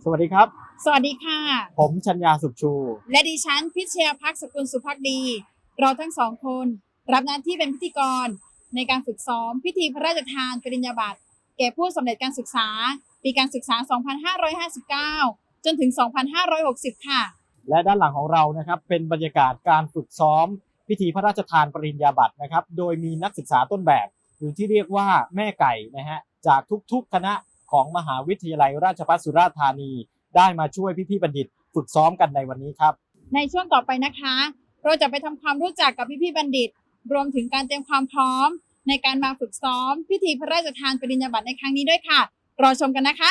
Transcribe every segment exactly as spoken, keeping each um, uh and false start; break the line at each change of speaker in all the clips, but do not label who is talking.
สวัสดีครับ
สวัสดีค่ะ
ผมชัญญาสุขชู
และดิฉันพิชยาภักดิ์สกุลสุภักดีเราทั้งสองคนรับหน้าที่เป็นพิธีกรในการฝึกซ้อมพิธีพระราชทานปริญญาบัตรแก่ผู้สำเร็จการศึกษาปีการศึกษา สองพันห้าร้อยห้าสิบเก้า จนถึง สองพันห้าร้อยหกสิบ ค่ะ
และด้านหลังของเรานะครับเป็นบรรยากาศการฝึกซ้อมพิธีพระราชทานปริญญาบัตรนะครับโดยมีนักศึกษาต้นแบบหรือที่เรียกว่าแม่ไก่นะฮะจากทุกๆคณะของมหาวิทยาลัยราชภัฏสุราษฎร์ธานีได้มาช่วยพี่ๆบัณฑิตฝึกซ้อมกันในวันนี้ครับ
ในช่วงต่อไปนะคะเราจะไปทำความรู้จักกับพี่ๆบัณฑิตรวมถึงการเตรียมความพร้อมในการมาฝึกซ้อมพิธีพระราชทานปริญญาบัตรในครั้งนี้ด้วยค่ะรอชมกันนะคะ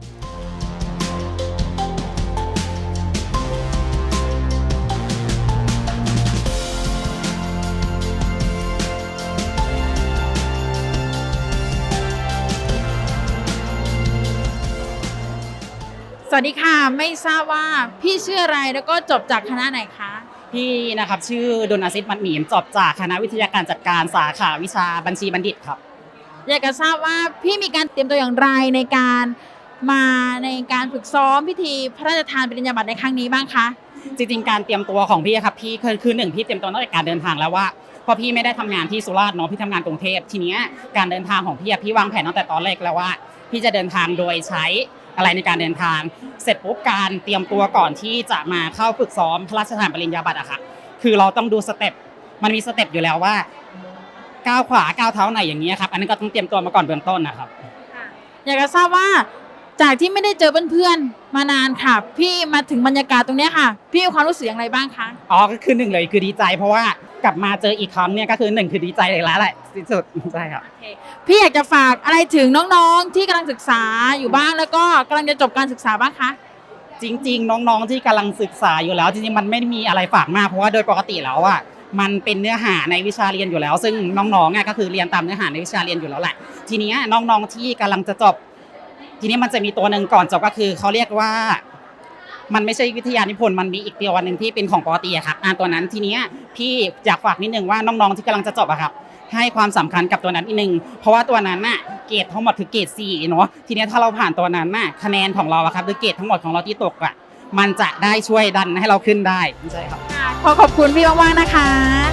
สวัสดีค่ะไม่ทราบว่าพี่ชื่ออะไรแล้วก็จบจากคณะไหนคะ
พี่นะครับชื่อดลอาซิษมัดหมีมจบจากคณะวิทยาการจัดการสาขาวิชาบัญชีบัณฑิตครับ
อยากจะทราบว่าพี่มีการเตรียมตัวอย่างไรในการมาในการฝึกซ้อมพิธีพระราชทานปริญญาบัตรในครั้งนี้บ้างคะ
จริงๆการเตรียมตัวของพี่ครับพี่คือคือหนึ่งพี่เตรียมตัวตั้งแต่การเดินทางแล้วว่าพอพี่ไม่ได้ทำงานที่สุราษฎร์เนาะพี่ทำงานกรุงเทพทีเนี้ยการเดินทางของพี่พี่วางแผนตั้งแต่ตอนแรกแล้วว่าพี่จะเดินทางโดยใช้อะไรในการเดินทางเสร็จปุ๊บการเตรียมตัวก่อนที่จะมาเข้าฝึกซ้อมพระราชทานปริญญาบัตรอะค่ะคือเราต้องดูสเต็ปมันมีสเต็ปอยู่แล้วว่าก้าวขวาก้าวเท้าไหนอย่างเงี้ยครับอันนั้นก็ต้องเตรียมตัวมาก่อนเบื้องต้นนะครับ
อยากจะทราบว่าจากที่ไม่ได้เจอเพื่อนๆมานานค่ะพี่มาถึงบรรยากาศตรงนี้ค่ะพี่มีความรู้สึกอย่างไรบ้างคะ
อ๋อก็คือหนึ่งเลยคือดีใจเพราะว่ากลับมาเจออีกครั้งเนี่ยก็คือหนึ่งคือดีใจเลยแล้วแหละที่สุดใช่ครับ
พี่อยากจะฝากอะไรถึงน้องๆที่กำลังศึกษาอยู่บ้างแล้วก็กำลังจะจบการศึกษาบ้างคะ
จริงๆน้องๆที่กำลังศึกษาอยู่แล้วจริงๆมันไม่มีอะไรฝากมากเพราะว่าโดยปกติแล้วอ่ะมันเป็นเนื้อหาในวิชาเรียนอยู่แล้วซึ่งน้องๆอ่ะก็คือเรียนตามเนื้อหาในวิชาเรียนอยู่แล้วแหละทีนี้น้องๆที่กำลังจะจบทีนี้มันจะมีตัวหนึ่งก่อนจบก็คือเขาเรียกว่ามันไม่ใช่วิทยานิพนธ์มันมีอีกตัวหนึ่งที่เป็นของปกติอะครับอ่านตัวนั้นทีนี้พี่อยากฝากนิดนึงว่าน้องๆที่กำลังจะจบอะครับให้ความสำคัญกับตัวนั้นนิดนึงเพราะว่าตัวนั้นน่ะเกรดทั้งหมดคือเกรดสี่เนาะทีนี้ถ้าเราผ่านตัวนั้นน่ะคะแนนของเราอะครับหรือเกรดทั้งหมดของเราที่ตกอะมันจะได้ช่วยดันให้เราขึ้นได้ใช่ครับ
ขอขอบคุณพี่มากๆนะคะ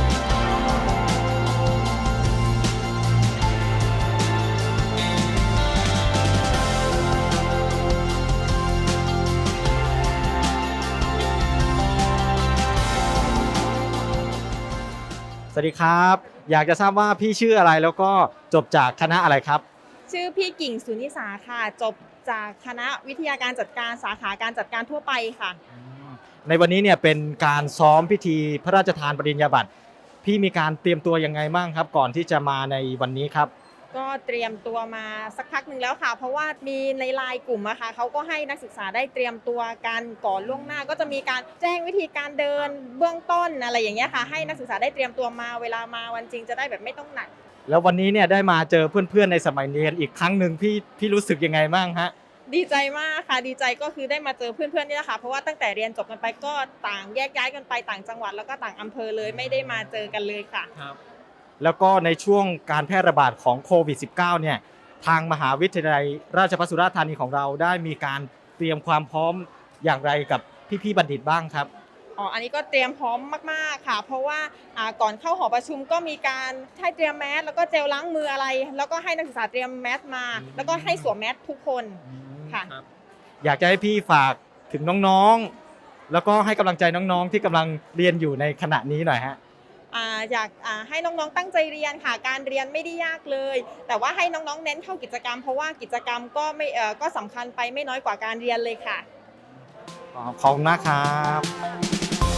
สวัสดีครับอยากจะทราบว่าพี่ชื่ออะไรแล้วก็จบจากคณะอะไรครับ
ชื่อพี่กิ่งสุนิสาค่ะจบจากคณะวิทยาการจัดการสาขาการจัดการทั่วไปค่ะ
ในวันนี้เนี่ยเป็นการซ้อมพิธีพระราชทานปริญญาบัตรพี่มีการเตรียมตัวยังไงบ้างครับก่อนที่จะมาในวันนี้ครับ
ก็เตรียมตัวมาสักพักหนึ่งแล้วค่ะเพราะว่ามีในไลน์กลุ่มอะค่ะเขาก็ให้นักศึกษาได้เตรียมตัวกันก่อนล่วงหน้าก็จะมีการแจ้งวิธีการเดินเบื้องต้นอะไรอย่างเงี้ยค่ะให้นักศึกษาได้เตรียมตัวมาเวลามาวันจริงจะได้แบบไม่ต้องหนัก
แล้ววันนี้เนี่ยได้มาเจอเพื่อนๆในสมัยเรียนอีกครั้งหนึ่งพี่พี่รู้สึกยังไงบ้างฮะ
ดีใจมากค่ะดีใจก็คือได้มาเจอเพื่อนๆนี่แหละค่ะเพราะว่าตั้งแต่เรียนจบกันไปก็ต่างแยกย้ายกันไปต่างจังหวัดแล้วก็ต่างอำเภอเลยไม่ได้มาเจอกันเลยค่ะ
ครับแล้วก็ในช่วงการแพร่ระบาดของโควิด สิบเก้า เนี่ยทางมหาวิทยาลัยราชภัฏสุราษฎร์ธานีของเราได้มีการเตรียมความพร้อมอย่างไรกับพี่ๆบัณฑิตบ้างครับ
อ๋ออันนี้ก็เตรียมพร้อมมากๆค่ะเพราะว่าก่อนเข้าหอประชุมก็มีการให้เตรียมแมสแล้วก็เจลล้างมืออะไรแล้วก็ให้นักศึกษาเตรียมแมสมาแล้วก็ให้สวมแมสทุกคนค่ะ
อยากจะให้พี่ฝากถึงน้องๆแล้วก็ให้กำลังใจน้องๆที่กำลังเรียนอยู่ในขณะนี้หน่อยฮะ
อยากให้น้องๆตั้งใจเรียนค่ะการเรียนไม่ได้ยากเลยแต่ว่าให้น้องๆเน้นเข้ากิจกรรมเพราะว่ากิจกรรมก็ไม่ก็สำคัญไปไม่น้อยกว่าการเรียนเลยค่ะ
ขอบคุณมากครับ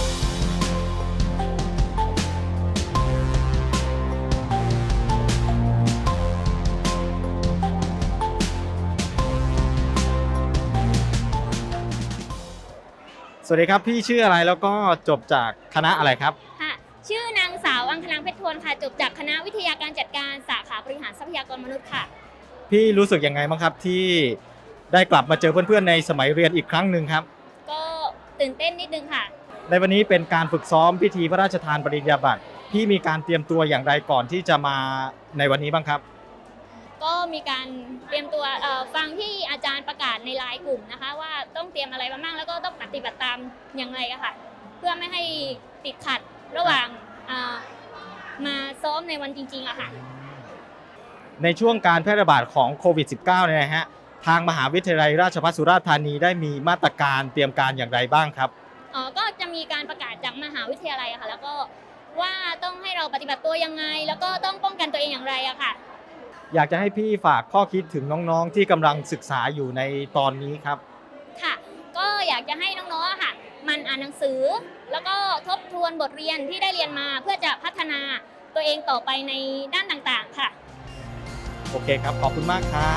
สวัสดีครับพี่ชื่ออะไรแล้วก็จบจากคณะอะไรครับ
ค่ะชื่อนางสาวอังคลังเพชรทวนค่ะจบจากคณะวิทยาการจัดการสาขาบริหารทรัพยากรมนุษย์ค่ะ
พี่รู้สึกยังไงบ้างครับที่ได้กลับมาเจอเพื่อนๆในสมัยเรียนอีกครั้งหนึ่งครับ
ก็ตื่นเต้นนิดนึงค่ะ
ในวันนี้เป็นการฝึกซ้อมพิธีพระราชทานปริญญาบัตรพี่มีการเตรียมตัวอย่างไรก่อนที่จะมาในวันนี้บ้างครับ
ก็มีการเตรียมตัวเอ่อฟังที่อาจารย์ประกาศในไลน์กลุ่มนะคะว่าต้องเตรียมอะไรมาบ้างแล้วก็ต้องปฏิบัติตามอย่างไรอะค่ะเพื่อไม่ให้ติดขัดระหว่างเอ่อมาซ้อมในวันจริงๆอะค่ะ
ในช่วงการแพร่ระบาดของโควิด สิบเก้า เนี่ยนะฮะทางมหาวิทยาลัยราชภัฏสุราษฎร์ธานีได้มีมาตรการเตรียมการอย่างไรบ้างครับ
เอ่อก็จะมีการประกาศจากมหาวิทยาลัยอะค่ะแล้วก็ว่าต้องให้เราปฏิบัติตัวยังไง แล้วก็ต้องป้องกันตัวเองอย่างไรอะค่ะ
อยากจะให้พี่ฝากข้อคิดถึงน้องๆที่กำลังศึกษาอยู่ในตอนนี้ครับ
ค่ะ ก็อยากจะให้น้องๆอะค่ะมันอ่านหนังสือ แล้วก็ทบทวนบทเรียนที่ได้เรียนมาเพื่อจะพัฒนาตัวเองต่อไปในด้านต่างๆค่ะ
โอเคครับ ขอบคุณมากครับ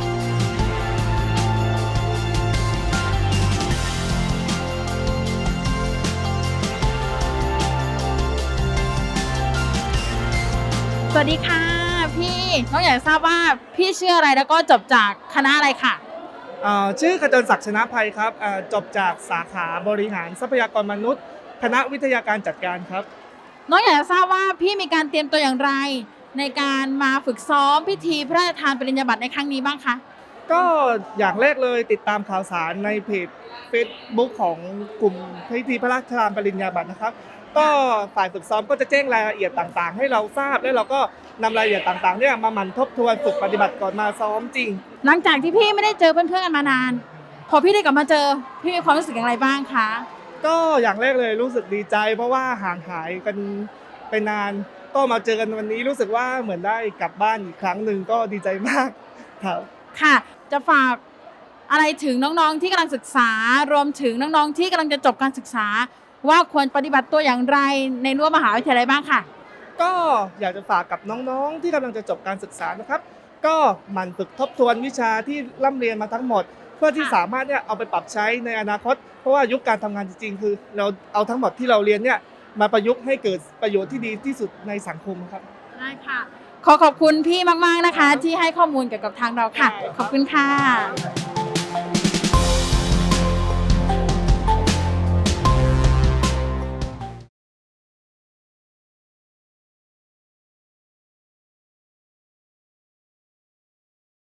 สวัสดีค่ะพี่น้องอยากทราบว่าพี่ชื่ออะไรแล้วก็จบจากคณะอะไรค่ะ
เอ่อชื่อขจรศักดิ์ชนะภัยครับเอ่อจบจากสาขาบริหารทรัพยากรมนุษย์ คณะวิทยาการจัดการครับ
น้องอยากจะทราบว่าพี่มีการเตรียมตัวอย่างไร ในการมาฝึกซ้อมพิธีพระราชทานปริญญาบัตรในครั้งนี้บ้างคะ
ก็อย่างแรกเลยติดตามข่าวสารในเพจ Facebook ของกลุ่มพิธีพระราชทานปริญญาบัตรนะครับ ก็ฝ่ายฝึกซ้อมก็จะแจ้งรายละเอียดต่างๆ ให้เราทราบและเราก็นำรายละเอียดต่างๆเนี่ยมาหมั่นทบทวนฝึกปฏิบัติก่อนมาซ้อมจริง
หลังจากที่พี่ไม่ได้เจอเพื่อนๆกันมานาน พอพี่ได้กลับมาเจอพี่มีความรู้สึกอย่างไรบ้างคะ
ก็อย่างแรกเลยรู้สึกดีใจ เพราะว่าห่างหายกันไปนาน ก็มาเจอกันวันนี้รู้สึกว่าเหมือนได้กลับบ้านอีกครั้งหนึ่งก็ดีใจมากครับ
ค่ะ จะฝากอะไรถึงน้องๆที่กำลังศึกษารวมถึงน้องๆที่กำลังจะจบการศึกษา ว่าควรปฏิบัติตัวอย่างไรในรั้วมหาวิทยาลัยบ้างค่ะ
ก็อยากจะฝากกับน้องๆที่กำลังจะจบการศึกษานะครับ ก็หมั่นฝึกทบทวนวิชาที่ร่ำเรียนมาทั้งหมด เพื่อที่
ค่ะ
สามารถเนี่ยเอาไปปรับใช้ในอนาคต เพราะว่ายุคการทำงานจริงๆ คือเราเอาทั้งหมดที่เราเรียนเนี่ยมาประยุกต์ให้เกิดประโยชน์ที่ดีที่สุดในสังคมครับ
ได้ค่ะ ขอขอบคุณพี่มากๆนะคะ ที่ให้ข้อมูลเกี่ยวกับทางเราค่ะ ขอบคุณค่ะ